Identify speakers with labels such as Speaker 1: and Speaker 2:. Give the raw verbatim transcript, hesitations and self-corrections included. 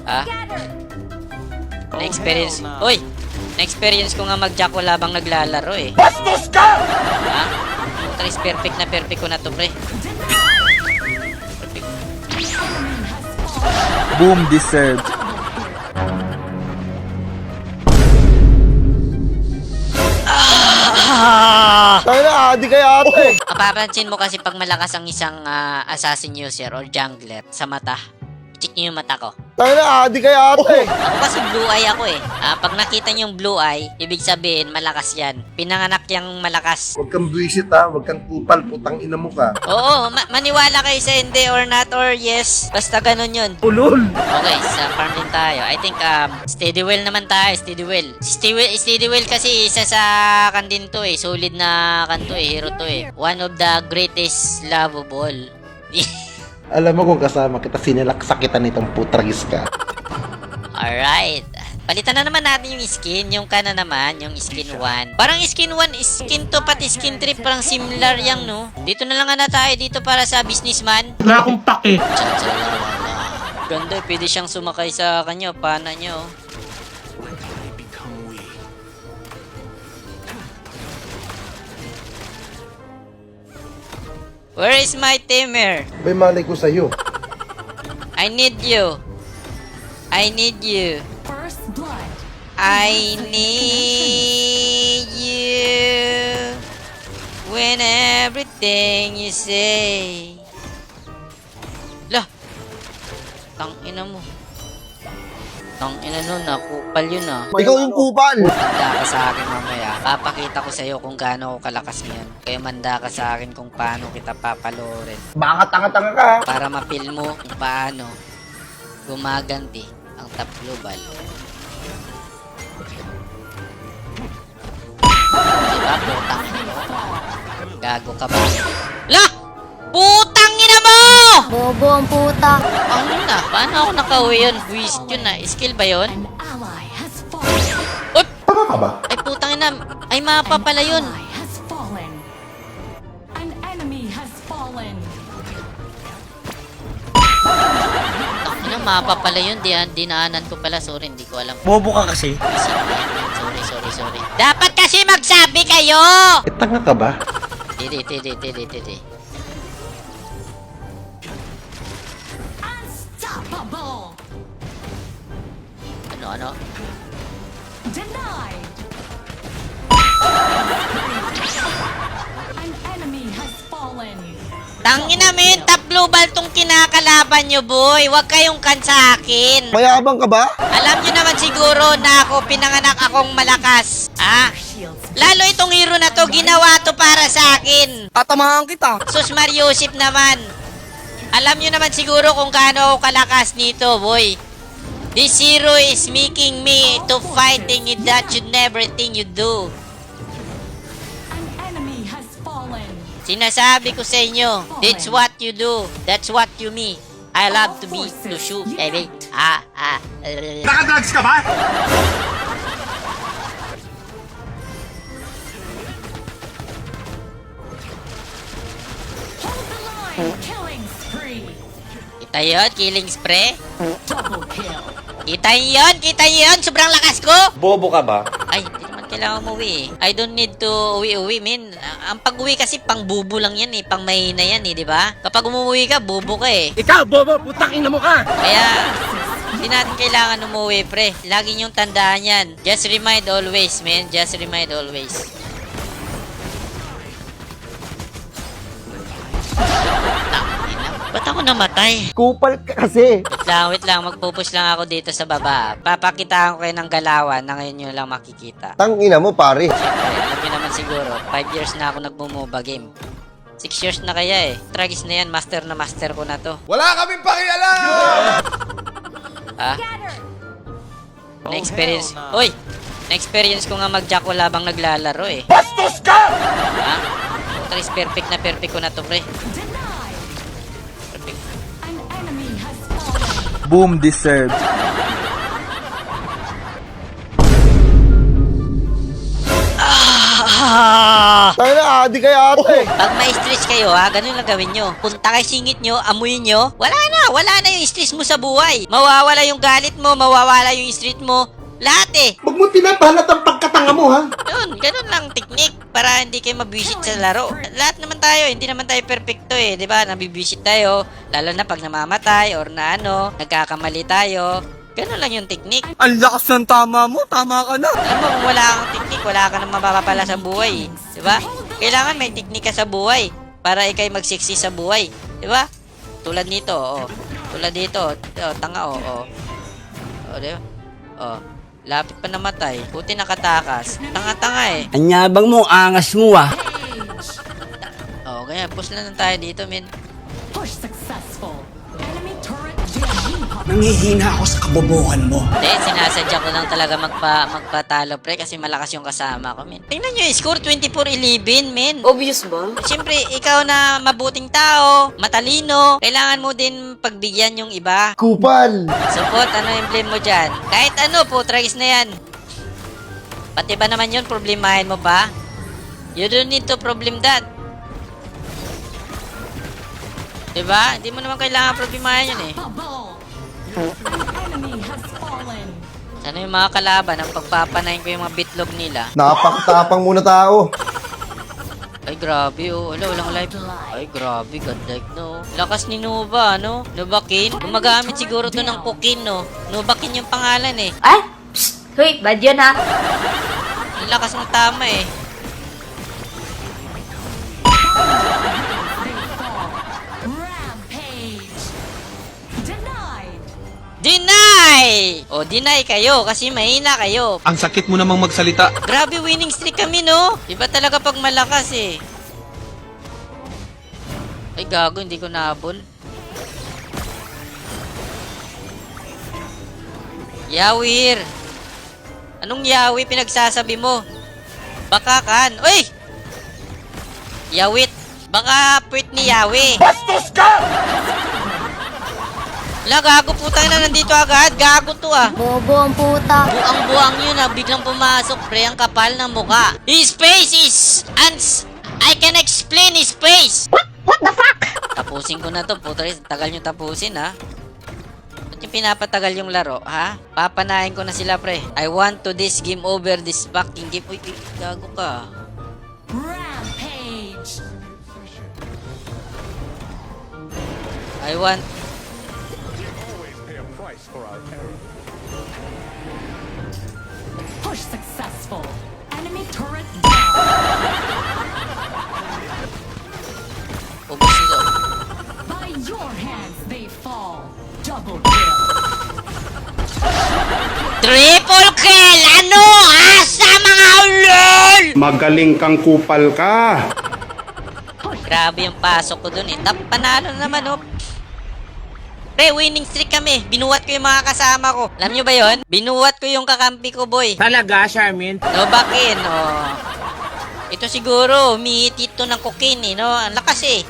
Speaker 1: Ha? Na-experience... Uy! Na-experience ko nga mag-jack wala bang naglalaro eh.
Speaker 2: Bastos ka!
Speaker 1: Ha? Trace perfect na perfect ko na to, pre. Perfect.
Speaker 2: Boom deserved.
Speaker 1: Ah!
Speaker 3: Tayo na, adi kaya ate.
Speaker 1: Mapapansin mo kasi pag malakas ang isang ah, assassin user or jungler sa mata, i-check nyo yung mata ko.
Speaker 3: Tayo na, adi kaya ate.
Speaker 1: Ako kasi blue eye ako eh. Ah, pag nakita nyo yung blue eye, ibig sabihin malakas yan. Pinanganak yung malakas.
Speaker 4: Huwag kang buwisit ha, huwag kang kupal, putang ina mo ka.
Speaker 1: Oo, ma- maniwala kayo sa hindi or not or yes. Basta ganun yun.
Speaker 4: Ulol!
Speaker 1: Okay, sa farm din tayo. I think um, steady well naman tayo, steady well. Steady well, steady well kasi isa sa kan din to eh. Solid na kan to eh, hero to eh. One of the greatest lovable.
Speaker 4: Alam mo kung kasama kita, sinilaksa kita nitong putragis ka.
Speaker 1: Alright. Palitan na naman natin yung skin. Yung kana naman, yung skin one. Parang skin one, skin two, pati skin three. Parang similar yang no. Dito na lang nga na tayo dito para sa businessman.
Speaker 2: Wala akong pake.
Speaker 1: Ganda, pwede siyang sumakay sa kanya. Pana niya oh. Where is my tamer?
Speaker 4: Bay, malay ko sa'yo.
Speaker 1: I need you. I need you.
Speaker 5: First blood.
Speaker 1: I need you. When everything you say. Lah. Tangina mo. Tangina nun, nakupal yun ah.
Speaker 3: Ikaw yung kupal.
Speaker 1: Manda ka sa akin mamaya. Papakita ko sa'yo kung gaano ako kalakas ngayon. Kaya manda ka sa akin kung paano kita papalorin.
Speaker 3: Baka tanga-tanga ka.
Speaker 1: Para mapil mo kung paano gumaganti ang top global. Diba, putang ina mo? Gago ka ba? Lah! Putang ina mo!
Speaker 6: Bobo ang puta.
Speaker 1: Ang ina, paano ako nakauwi yun? Buwisit yun na. Skill ba yun?
Speaker 5: An ally has fallen.
Speaker 1: Uy!
Speaker 4: Tama ka ba?
Speaker 1: Ay putang ina, ay mapa pala yun.
Speaker 5: Ally has fallen. An enemy has fallen.
Speaker 1: Ano, mapa pala yun. Di, dinaanan ko pala. Sorry, hindi ko alam.
Speaker 2: Bobo ka kasi.
Speaker 1: Sorry, sorry, sorry. Dapat kasi magsabi kayo!
Speaker 4: Eh, tanga ka ba?
Speaker 1: Tidi, tidi, tidi, tidi.
Speaker 5: Unstoppable.
Speaker 1: Ano, ano?
Speaker 5: Denied. An enemy has fallen.
Speaker 1: Tangina mo yun, top global tong kinakalaban nyo, boy. Huwag kayong kan sa akin.
Speaker 3: Mayabang ka ba?
Speaker 1: Alam nyo naman siguro na ako pinanganak akong malakas. Ah? Lalo itong hero na to, ginawa to para sa akin.
Speaker 3: Tatamahan kita.
Speaker 1: Sus Mariusip naman. Alam nyo naman siguro kung gaano ako kalakas nito, boy. This hero is making me to fighting in that you everything you do.
Speaker 5: An enemy has fallen.
Speaker 1: Sinasabi ko sa inyo, that's what you do. That's what you me. I love to be, to shoot, baby. Ah, ah. Uh,
Speaker 2: Nakadrugs ka ba?
Speaker 5: Hold the line. Killing spree.
Speaker 1: kita yun, killing spray.
Speaker 5: Double kill.
Speaker 1: Kita yun, kita yun. Sobrang lakas ko.
Speaker 2: Bobo ka ba?
Speaker 1: Ay, hindi naman kailangan umuwi eh. I don't need to uwi-uwi, min. Ang pag-uwi kasi pang bubo lang yan eh. Pang mahina yan eh, di ba? Kapag umuwi ka, bubo ka eh.
Speaker 2: Ikaw, bobo, putang ina mo ka!
Speaker 1: Kaya, hindi natin kailangan umuwi, pre. Lagi niyong tandaan yan. Just remind always, man. Just remind always. Tangina. Ba't ako namatay?
Speaker 3: Kupal ka kasi.
Speaker 1: Wait lang, wait lang. Magpupush lang ako dito sa baba. Papakitaan ko kayo ng galawan na ngayon nyo lang makikita.
Speaker 3: Tangina mo, pare.
Speaker 1: Siyempre, alam nyo naman siguro, five years na ako nagmumoba game. six years na kaya eh. Tragis na yan, master na master ko na to.
Speaker 4: Wala kaming pakialam!
Speaker 1: Ha? Na-experience, uy! Na-experience ko nga mag-jack wala bang naglalaro eh.
Speaker 2: Bastos ka!
Speaker 1: Ha? Trace perfect na perfect ko na to, pre.
Speaker 5: Denied.
Speaker 1: Perfect.
Speaker 5: An enemy has fallen.
Speaker 2: Boom deserved.
Speaker 1: Ah!
Speaker 3: Tayo na, body kaya ate.
Speaker 1: Pag may stress kayo ha, ganun lang gawin nyo. Punta kay singit nyo, amuyin nyo, wala na, wala na yung stress mo sa buhay. Mawawala yung galit mo, mawawala yung street mo, lahat eh.
Speaker 4: Huwag mo pinapahalat ang pagkatanga mo, ha?
Speaker 1: Yun, ganun lang technique para hindi kayo mabisit sa laro. Lahat naman tayo, hindi naman tayo perfecto eh, di ba? Nabibisit tayo, lalo na pag namamatay or na ano, nagkakamali tayo. Ganun lang yung technique.
Speaker 2: Ang lakas ng tama mo. Tama ka na.
Speaker 1: Alam mo, kung wala kang technique, wala ka nang mapapala sa buhay. Di ba? Kailangan may technique ka sa buhay para ikay magsiksi sa buhay. Di ba? Tulad nito, oh. Tulad dito, oh, tanga, oh, oh. Oh, di ba? Oh, lapit pa namatay. Buti nakatakas. Tanga-tanga eh.
Speaker 2: Anyabang mo, angas mo ah.
Speaker 1: Oh, ganyan. Push na lang tayo dito, men.
Speaker 5: Push successful. Enemy turret J.
Speaker 2: Nangihina ako sa kabobohan mo.
Speaker 1: Hindi, sinasadya ko lang talaga magpa, magpatalo, pre, kasi malakas yung kasama ko, men. Tingnan nyo, score twenty-four eleven, men.
Speaker 7: Obvious ba?
Speaker 1: Siyempre, ikaw na mabuting tao, matalino, kailangan mo din pagbigyan yung iba.
Speaker 3: Kupal.
Speaker 1: Support, ano yung blame mo dyan? Kahit ano po, tragis na yan. Pati ba naman yun, problemahin mo pa? You don't need to problem that. Diba? Hindi mo naman kailangan problemahin yun eh.
Speaker 5: Bubble. An enemy has fallen.
Speaker 1: Sana yung mga kalaban, ang pagpapanayin ko yung mga bitlog nila.
Speaker 3: Napakatapang muna tao.
Speaker 1: Ay, grabe oh. Wala, walang live. Ay, grabe. Godlike, no. Lakas ni Nova, no? Novakin. Gumagamit siguro to ng cocaine, no? Novakin yung pangalan, eh.
Speaker 7: Ay! Psst! Hoy, bad yun ha?
Speaker 1: Ang lakas ng tama, eh.
Speaker 5: Rampage. Denied.
Speaker 1: Deny! O, deny kayo kasi mahina kayo.
Speaker 2: Ang sakit mo namang magsalita.
Speaker 1: Grabe, winning streak kami, no? Iba talaga pag malakas, eh. Ay, gago. Hindi ko nahabol. Yawir! Anong yawi pinagsasabi mo? Baka kan. Uy! Yawit! Baka puwit ni Yawi.
Speaker 2: Bastos ka!
Speaker 1: Wala, gago, putang na nandito agad. Gago to ah.
Speaker 6: Bobo ang puta.
Speaker 1: Buang-buang yun ah. Biglang pumasok, pre. Ang kapal ng muka. His face is... Ans... I can explain his face. What? What the fuck? Tapusin ko na to. Puta, tagal nyo tapusin ha. Ba't yung pinapatagal yung laro, ha? Papanahin ko na sila, pre. I want to this game over this fucking game. Uy, uy, gago ka.
Speaker 5: Rampage.
Speaker 1: I want...
Speaker 5: Push successful. Enemy turret down.
Speaker 1: Ubus nito.
Speaker 5: By your hands they fall. Double kill.
Speaker 1: Triple kill! Ano? Asa mga ulol?
Speaker 4: Magaling kang kupal ka.
Speaker 1: Grabe yung pasok ko dun eh. Tap, panalo na naman oh. Pre, winning streak kami. Binuwat ko yung mga kasama ko. Alam nyo ba yon? Binuwat ko yung kakampi ko, boy.
Speaker 2: Talaga, Charmin?
Speaker 1: No, bakin, oh. Ito siguro, umihitit to ng cocaine eh, no? Ang lakas eh.